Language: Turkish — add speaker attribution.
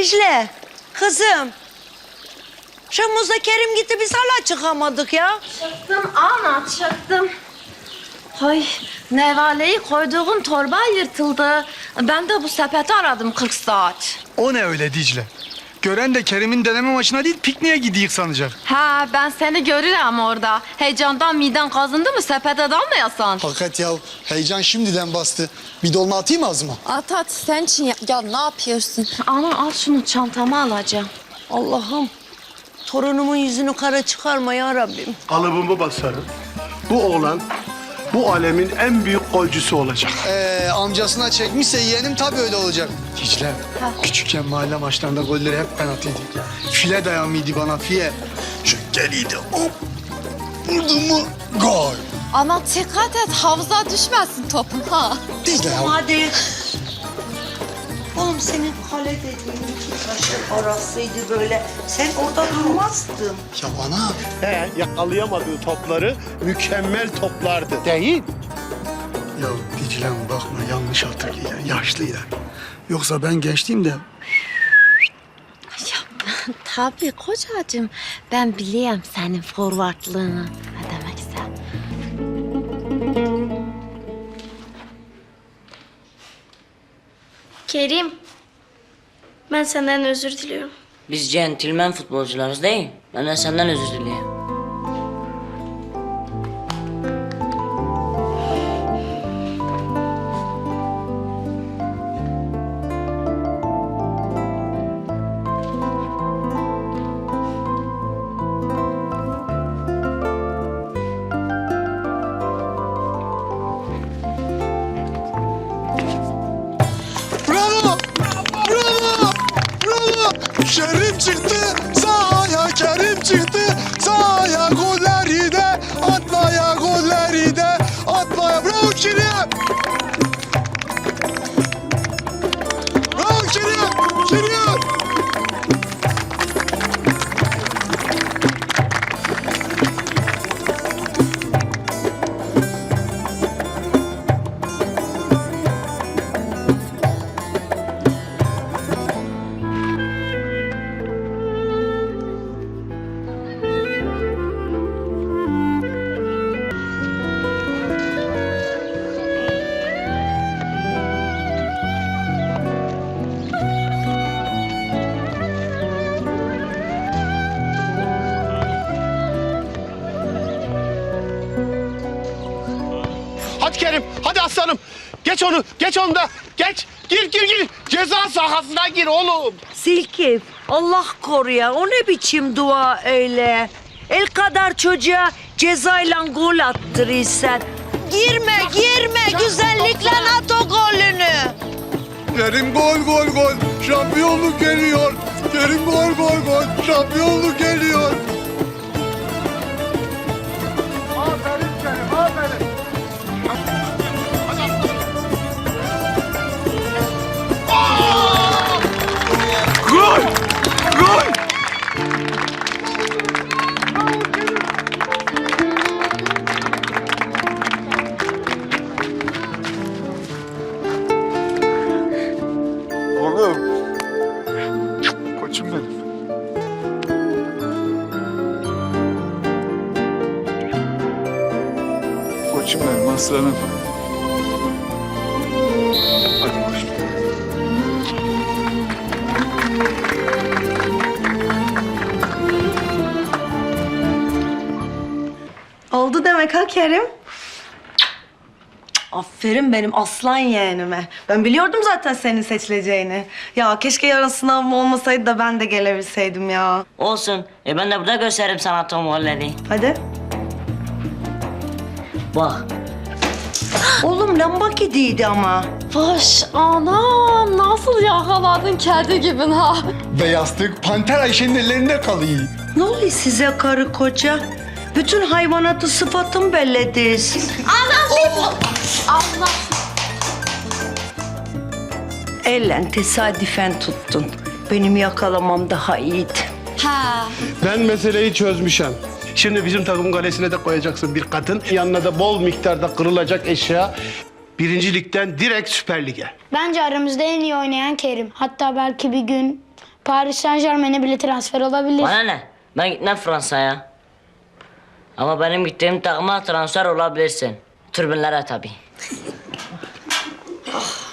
Speaker 1: Dicle, kızım. Şamuz'la Kerim gitti, biz hala çıkamadık ya.
Speaker 2: Çıktım ana, çıktım. Hay, nevaleyi koyduğum torba yırtıldı. Ben de bu sepeti aradım 40 saat.
Speaker 3: O ne öyle Dicle? Gören de Kerim'in deneme maçına değil pikniğe gidiyik sanacak.
Speaker 2: Ha, ben seni görürüm orada. Heyecandan miden kazındı mı sepete dalmayasan?
Speaker 4: Fakat ya heyecan şimdiden bastı. Bir dolma atayım ağzıma.
Speaker 5: At sen için ya ne yapıyorsun?
Speaker 2: Ana al şunu, çantama alacağım.
Speaker 1: Allah'ım, torunumun yüzünü kara çıkarma ya Rabbim.
Speaker 6: Kalıbımı basarım. Bu oğlan bu alemin en büyük golcüsü olacak.
Speaker 4: Amcasına çekmişse yeğenim tabii öyle olacak.
Speaker 3: Dicle, küçükken mahalle maçlarında golleri hep ben atıyordum. File dayanmıydı bana, file. Şu geliydi, hop. Vurdun mu, gol.
Speaker 5: Ama dikkat et havuza düşmesin topun ha.
Speaker 4: Dicle ya.
Speaker 1: Hadi. Oğlum senin kale dediğin iki taşın arasıydı böyle. Sen orada durmazdın.
Speaker 4: Ya bana.
Speaker 6: Yakalayamadığı topları mükemmel toplardı. Değil.
Speaker 3: Ya Dicle'm bakma yanlış hatırlıyor, yaşlıydı. Yoksa ben gençliğimde
Speaker 2: Tabii kocacığım. Ben biliyorum senin forvartlığını. Ne demekse.
Speaker 7: Kerim, ben senden özür diliyorum.
Speaker 8: Biz centilmen futbolcularız değil. Ben de senden özür dileyim.
Speaker 4: Bravo! Bravo! Bravo! Kerim çıktı sahaya, Kerim çıktı sahaya. Golleri de atmaya, golleri de atmaya. Bravo Kerim! Bravo Kerim! Kerim!
Speaker 6: Hadi Kerim, hadi aslanım. Geç onu, geç onu da. Geç, gir. Ceza sahasına gir oğlum.
Speaker 1: Silkif, Allah koru ya. O ne biçim dua öyle? El kadar çocuğa cezayla gol attırırsan. Girme. Güzellikle at o golünü.
Speaker 3: Kerim gol. Şampiyonluk geliyor. Kerim gol. Şampiyonluk geliyor.
Speaker 6: Aferin Kerim, aferin.
Speaker 3: Gol! Oğlum. Koçum benim. Koçum benim, aslanım. Hadi koçum.
Speaker 9: Oldu demek ha Kerim. Aferin benim aslan yeğenime. Ben biliyordum zaten senin seçileceğini. Ya keşke yarın sınavım olmasaydı da ben de gelebilseydim ya.
Speaker 8: Olsun. Ben de burada gösteririm sana Tom Holland'i.
Speaker 9: Hadi.
Speaker 8: Bak.
Speaker 1: Oğlum lamba gidiydi ama.
Speaker 2: Baş anam, nasıl yakaladın kedi gibi ha?
Speaker 3: Ve yastık Panter Ayşe'nin ellerinde kalıyor.
Speaker 1: Ne oluyor size karı koca? Bütün hayvanatı sıfatım bellediniz.
Speaker 2: Allah.
Speaker 1: Ellen tesadüfen tuttun. Benim yakalamam daha iyiydi.
Speaker 5: Ha.
Speaker 6: Ben meseleyi çözmüşüm. Şimdi bizim takımın kalesine de koyacaksın bir kadın. Yanına da bol miktarda kırılacak eşya. Birinci Lig'den direkt Süper Lig'e.
Speaker 7: Bence aramızda en iyi oynayan Kerim. Hatta belki bir gün Paris Saint Germain'e bile transfer olabilir.
Speaker 8: Bana ne? Ben gitmem Fransa'ya. Ama benim gittiğim takıma transfer olabilirsin. Tribünlere tabii.